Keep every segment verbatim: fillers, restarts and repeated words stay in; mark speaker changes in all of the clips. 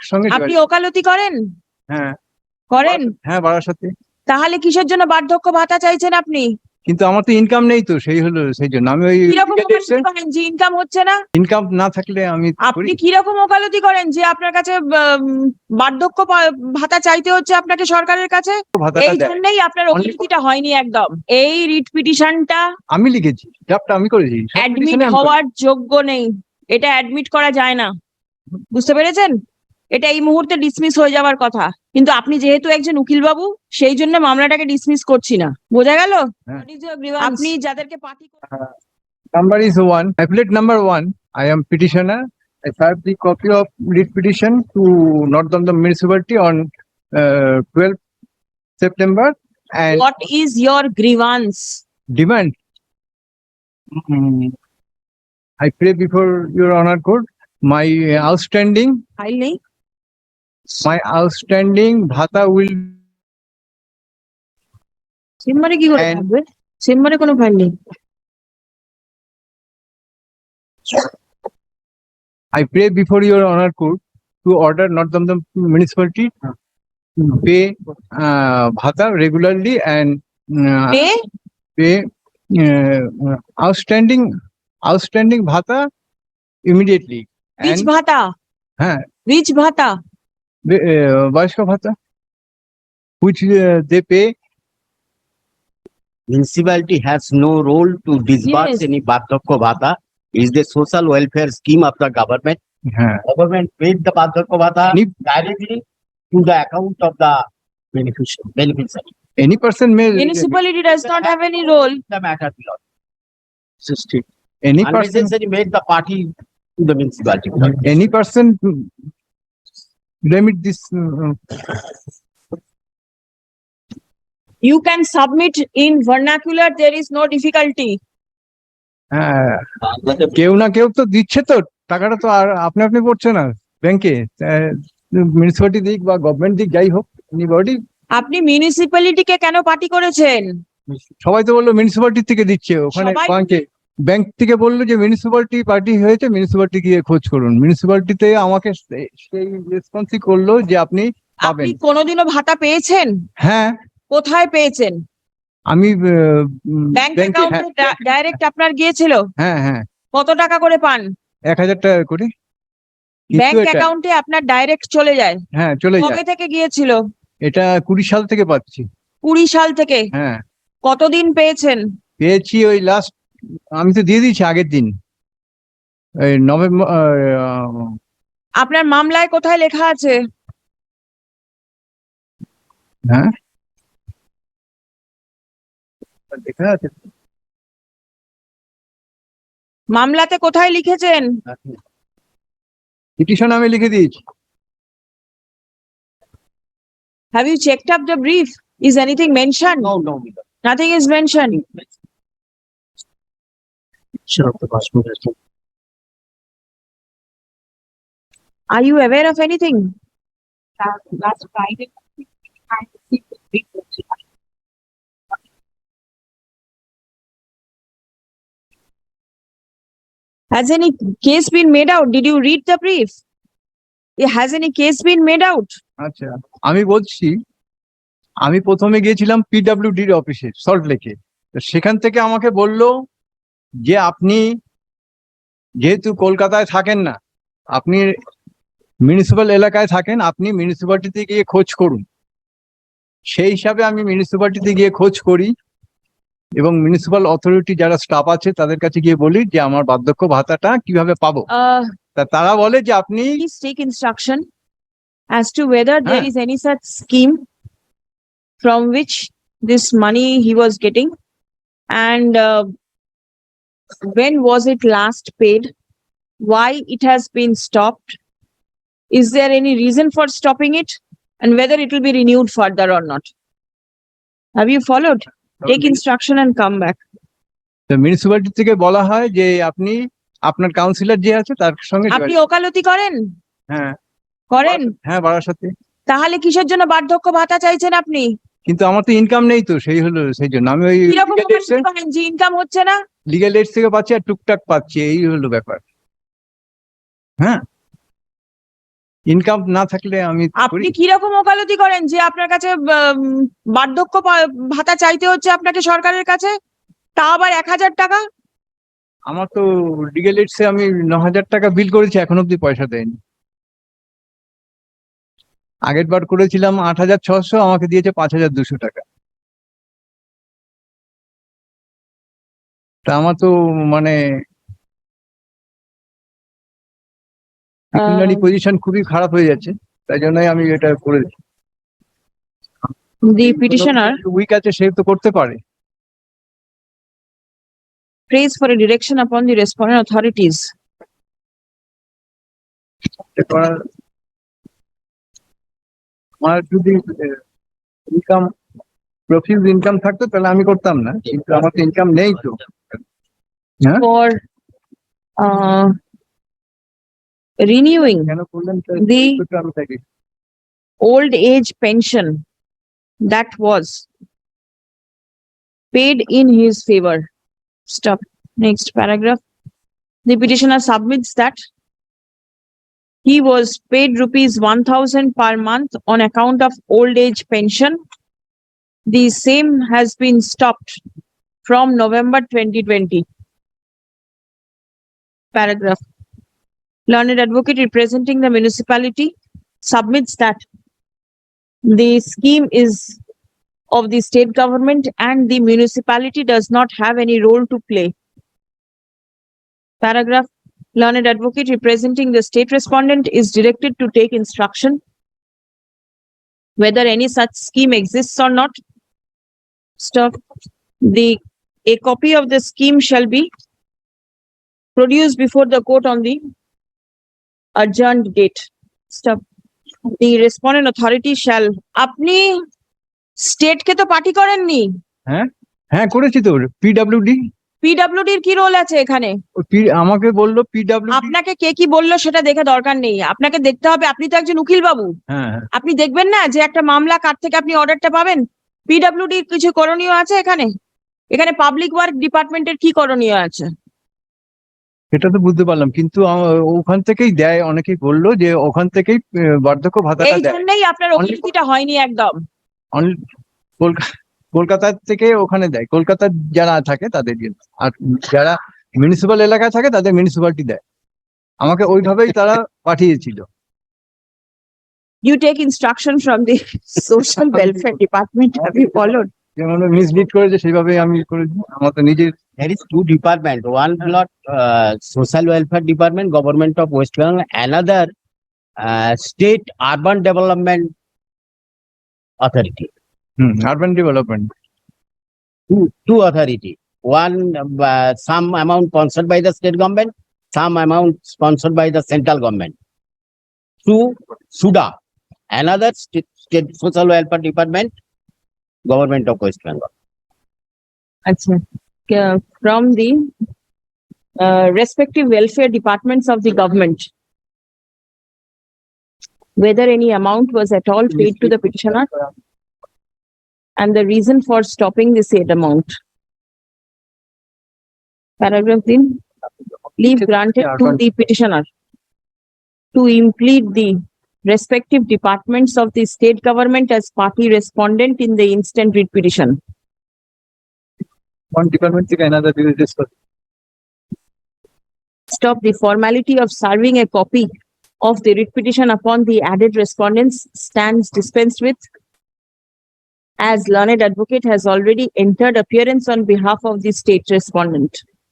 Speaker 1: সঙ্গে
Speaker 2: আপনি
Speaker 1: যোগাযোগ।
Speaker 2: ওকালতি করেন?
Speaker 1: হ্যাঁ
Speaker 2: করেন?
Speaker 1: হ্যাঁ বারাসাতে।
Speaker 2: তাহলে কিসের জন্য বার্ধক্য ভাতা চাইছেন আপনি?
Speaker 1: কিন্তু আমার তো ইনকাম নেই, তো সেই হলো সেই জন্য আমি ওই
Speaker 2: কিরকম ওকালতি করেন যে ইনকাম হচ্ছে না?
Speaker 1: ইনকাম না থাকলে আমি
Speaker 2: আপনি কিরকম ওকালতি করেন যে আপনার কাছে আহ, বার্ধক্য পা- ভাতা চাইতে হচ্ছে আপনাকে সরকারের কাছে?
Speaker 1: ভাতাটা
Speaker 2: এই
Speaker 1: দেয়।
Speaker 2: জন্যই আপনার ওকালতিটা হয়নি একদম। এই রিট পিটিশনটা
Speaker 1: আমি লিখেছি, ড্রাফটটা আমি করেছি, সব
Speaker 2: অ্যাডমিট
Speaker 1: petition এ আমি
Speaker 2: হওয়ার যোগ্য নেই। এটা অ্যাডমিট করা যায় না, বুঝতে পেরেছেন? এটা এই মুহূর্তে ডিসমিস হয়ে যাওয়ার কথা, কিন্তু আপনি যেহেতু একজন উকিল বাবু, সেই জন্য মামলাটাকে ডিসমিস করছি না। বোঝা গেল?
Speaker 1: হ্যাঁ।
Speaker 2: What is your grievance? আপনি যাদেরকে party
Speaker 1: number is one. Appellate number one. I am petitioner. I served the copy of writ petition to North Damdam Municipality on uh, twelfth September and
Speaker 2: what is your grievance?
Speaker 1: demand. Mm, I pray before your honor court, my outstanding,
Speaker 2: file নেই?
Speaker 1: my outstanding bhata will
Speaker 2: চেম্বারে কি করে
Speaker 1: And-
Speaker 2: থাকবে? চেম্বারে কোনো file নেই।
Speaker 1: I pray before your honor court to order North Damdam Municipality to pay uh, bhata regularly and uh,
Speaker 2: pay
Speaker 1: pay uh, outstanding outstanding bhata immediately.
Speaker 2: Reach
Speaker 1: And
Speaker 2: bhata,
Speaker 1: হ্যাঁ
Speaker 2: rich ভাতা।
Speaker 1: বয়স্ক ভাতা which uh, they pay.
Speaker 3: Municipality has no role to disburse
Speaker 2: Yes.
Speaker 3: any Bardhakya Bhata. It is the social welfare scheme of the government.
Speaker 1: হ্যাঁ
Speaker 3: Government paid the Bardhakya Bhata
Speaker 1: Any-
Speaker 3: directly to the account of the beneficiary. beneficiary.
Speaker 1: any person may
Speaker 2: Municipality does not have any role.
Speaker 3: The matter belongs.
Speaker 1: any person
Speaker 3: Unnecessary made the party to the municipality.
Speaker 1: any person remit this uh,
Speaker 2: You can submit in vernacular, there is no difficulty.
Speaker 1: হ্যাঁ, কেউ না কেউ তো দিচ্ছে, তো টাকাটা তো আর আপনি আপনি পড়ছে না ব্যাংকে, মিউনিসিপালিটি দিক বা গভর্নমেন্ট দিক যাই হোক, এনিবডি।
Speaker 2: আপনি মিউনিসিপ্যালিটিকে কেন পার্টি করেছেন?
Speaker 1: সবাই তো বললো মিউনিসিপালিটি থেকে দিচ্ছে, ওখানে
Speaker 2: সবাই-
Speaker 1: ব্যাংকে ব্যাংক থেকে বললো যে মিউনিসিপালিটি পার্টি হয়েছে, মিউনিসিপালিটি গিয়ে খোঁজ করুন। মিউনিসিপালিটিতে আমাকে সে- সেই রেসপন্সই করলো যে আপনি পাবেন।
Speaker 2: আপনি কোনোদিনও ভাতা পেয়েছেন?
Speaker 1: হ্যাঁ
Speaker 2: কোথায় পেয়েছেন?
Speaker 1: আমি
Speaker 2: ব্যাংক
Speaker 1: ব্যাংকে,
Speaker 2: অ্যাকাউন্টে ডাইরেক্ট আপনার গিয়েছিল?
Speaker 1: হ্যাঁ হ্যাঁ
Speaker 2: কত টাকা করে পান?
Speaker 1: এক হাজার টাকা করে। কিন্তু
Speaker 2: ব্যাংক
Speaker 1: এটা-
Speaker 2: অ্যাকাউন্টে আপনার ডাইরেক্ট চলে যায়?
Speaker 1: হ্যাঁ চলে
Speaker 2: কবে
Speaker 1: যায়,
Speaker 2: থেকে গিয়েছিল?
Speaker 1: এটা কুড়ি সাল থেকে পাচ্ছি।
Speaker 2: কুড়ি সাল থেকে?
Speaker 1: হ্যাঁ
Speaker 2: কতদিন পেয়েছেন?
Speaker 1: পেয়েছি ওই লাস্ট, আমি তো দিয়ে দিয়েছি আগের দিন, এই নভেম্বর।
Speaker 2: আপনার মামলায় কোথায় লেখা আছে?
Speaker 1: হ্যাঁ দেখা আছে,
Speaker 2: মামলাতে কোথায় লিখেছেন?
Speaker 1: পিটিশন আমি লিখে দিয়েছি।
Speaker 2: Have you checked up the brief? Is anything mentioned?
Speaker 3: No, no, no.
Speaker 2: Nothing is mentioned.
Speaker 3: Sure, of the passport has been-
Speaker 2: Are you aware of anything?
Speaker 4: Last Friday, I received the brief.
Speaker 2: Has any case been made out? Did you read the brief? Yeah, has any case been made out?
Speaker 1: আচ্ছা আমি বলছি, আমি প্রথমে গিয়েছিলাম পিডব্লিউডির অফিসে salt লেকে, তো সেখান থেকে আমাকে বললো যে আপনি যেহেতু কলকাতায় থাকেন না, আপনি মিউনিসিপ্যাল এলাকায় থাকেন, আপনি মিউনিসিপ্যালিটিতে গিয়ে খোঁজ করুন। সেই হিসাবে আমি মিউনিসিপ্যালিটিতে গিয়ে খোঁজ করি এবং মিউনিসিপ্যাল অথরিটি যারা স্টাফ আছে তাদের কাছে গিয়ে বলি যে আমার বার্ধক্য ভাতাটা কিভাবে পাবো।
Speaker 2: Uh,
Speaker 1: তা তারা বলে যে আপনি
Speaker 2: please take instruction as to whether there
Speaker 1: Huh?
Speaker 2: is any such scheme from which this money he was getting, and uh, when was it last paid? Why it has been stopped? Is there any reason for stopping it? And whether it will be renewed further or not? Have you followed? Take instruction and come back.
Speaker 1: Municipality থেকে বলা হয় যে আপনি আপনার councillor যে আছে তার সঙ্গে
Speaker 2: আপনি
Speaker 1: যোগাযোগ-
Speaker 2: ওকালতি করেন?
Speaker 1: হ্যাঁ
Speaker 2: করেন?
Speaker 1: হ্যাঁ বারাসাতে।
Speaker 2: তাহলে কিসের জন্য বার্ধক্য ভাতা চাইছেন আপনি?
Speaker 1: কিন্তু আমার তো ইনকাম নেই, তো সেই হলো সেই জন্য আমি ওই
Speaker 2: কিরকম ওকালতি করেন যে ইনকাম হচ্ছে না?
Speaker 1: লিগ্যাল এইডস থেকে পাচ্ছি আর টুকটাক পাচ্ছি, এই হলো ব্যাপার। হ্যাঁ ইনকাম না থাকলে আমি করি।
Speaker 2: আপনি কি রকম ওকালতি করেন যে আপনার কাছে উম, বার্ধক্য পা- ভাতা চাইতে হচ্ছে আপনাকে সরকারের কাছে, তা আবার এক হাজার টাকা?
Speaker 1: আমার তো লিগেল এইডসে আমি ন হাজার টাকা বিল করেছি, এখন অব্দি পয়সা দেয়নি। আগের বার করেছিলাম আট হাজার ছশো, আমাকে দিয়েছে পাঁচ হাজার দুশো টাকা। তা আমার তো মানে
Speaker 2: আহ,
Speaker 1: পজিশন খুবই খারাপ হয়ে যাচ্ছে, তাই জন্যই আমি এটা করেছি।
Speaker 2: the petitioner
Speaker 1: উইক আছে, সে তো করতে পারে।
Speaker 2: prays for a direction upon the respondent authorities.
Speaker 1: এটা করার আমার যদি ইনকাম প্রফিউজ ইনকাম থাকতো তাহলে আমি করতাম না, কিন্তু আমার তো ইনকাম নেই তো। হ্যাঁ,
Speaker 2: For uh, renewing
Speaker 1: কেন করলেন
Speaker 2: The-
Speaker 1: আমি থাকি।
Speaker 2: old age pension that was paid in his favor. Stop. Next paragraph. The petitioner submits that he was paid rupees one thousand per month on account of old age pension. The same has been stopped from November twenty twenty. Paragraph. Learned advocate representing the municipality submits that the scheme is of the state government and the municipality does not have any role to play. Paragraph. Learned advocate representing the state respondent is directed to take instruction whether any such scheme exists or not. Stop. The a copy of the scheme shall be produced before the court on the adjourned date. Stop. The respondent authority shall. আপনি state কে তো party করেননি,
Speaker 1: হ্যাঁ করেছি তো, PWD.
Speaker 2: PWD এর কি role আছে এখানে?
Speaker 1: আমাকে বললো পিডাব্লিউডি।
Speaker 2: আপনাকে কে কি বললো সেটা দেখে দরকার নেই, আপনাকে দেখতে হবে, আপনি তো একজন উকিল বাবু,
Speaker 1: হ্যাঁ হ্যাঁ,
Speaker 2: আপনি দেখবেন না যে একটা মামলা কার থেকে আপনি অর্ডারটা পাবেন। পিডব্লিউডি কিছু করণীয় আছে এখানে? এখানে পাবলিক ওয়ার্ক ডিপার্টমেন্টের কি করণীয় আছে?
Speaker 1: সেটা তো বুঝতে পারলাম, কিন্তু আ- ওখান থেকেই দেয়, অনেকেই বললো যে ওখান থেকেই আহ, বার্ধক্য ভাতাটা
Speaker 2: এই
Speaker 1: দেয়।
Speaker 2: জন্যই আপনার ওকালতিটা হয়নি একদম।
Speaker 1: অন- কলকা- কলকাতা থেকে ওখানে দেয়, কলকাতার যারা থাকে তাদের জন্য, আর যারা মিউনিসিপাল এলাকায় থাকে তাদের মিউনিসিপালিটি দেয়। আমাকে ওইভাবেই তারা পাঠিয়েছিল।
Speaker 2: You take instruction from the social welfare department, have you followed?
Speaker 1: যেমন মিসলিড করেছে সেইভাবেই আমি করেছি, আমার তো নিজের।
Speaker 3: There is two department, one block, uh, social welfare department, government of West Bengal, another, uh, state urban development authority.
Speaker 1: হুম, urban development.
Speaker 3: Two, two authority. One, uh, some amount sponsored by the state government, some amount sponsored by the central government. Two, SUDA, another state, state social welfare department, government of West Bengal.
Speaker 2: Acha. Uh, From the uh, respective welfare departments of the government, whether any amount was at all paid to the petitioner and the reason for stopping the said amount. Paragraph three. Leave granted to the petitioner to implead the respective departments of the state government as party respondent in the instant writ petition.
Speaker 1: One department থেকে another discuss.
Speaker 2: Stop. The formality of serving a copy of the writ petition upon the added respondents stands dispensed with, as learned advocate has already entered appearance on behalf of the state respondent.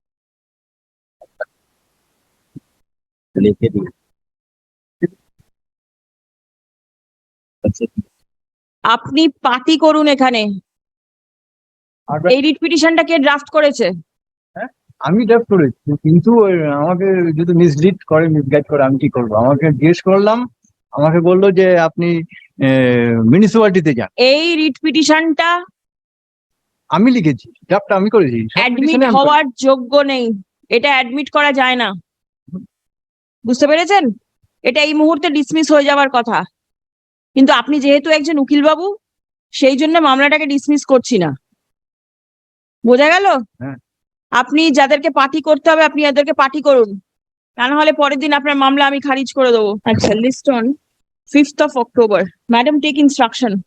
Speaker 2: আপনি party করুন এখানে।
Speaker 1: আর-
Speaker 2: এই writ পিটিশনটা কে draft করেছে?
Speaker 1: আমি draft করেছি, কিন্তু ওই আমাকে যদি মিসলিড করে, মিসগাইড করে, আমি কি করবো? আমাকে জিজ্ঞেস করলাম, আমাকে বললো যে আপনি মিউনিসিপালিটিতে যান।
Speaker 2: এই রিট পিটিশনটা
Speaker 1: আমি লিখেছি, ড্রাফটটা আমি করেছি। সব
Speaker 2: অ্যাডমিট
Speaker 1: petition এ আমি
Speaker 2: হওয়ার যোগ্য নেই, এটা অ্যাডমিট করা যায় না, বুঝতে পেরেছেন? এটা এই মুহূর্তে ডিসমিস হয়ে যাওয়ার কথা, কিন্তু আপনি যেহেতু একজন উকিল বাবু সেই জন্য মামলাটাকে ডিসমিস করছি না। বোঝা গেল?
Speaker 1: হ্যাঁ।
Speaker 2: আপনি যাদেরকে পার্টি করতে হবে আপনি এদেরকে পার্টি করুন, তা না হলে পরের দিন আপনার মামলা আমি খারিজ করে দেবো। আচ্ছা, list on fifth of October. Madam, take instruction.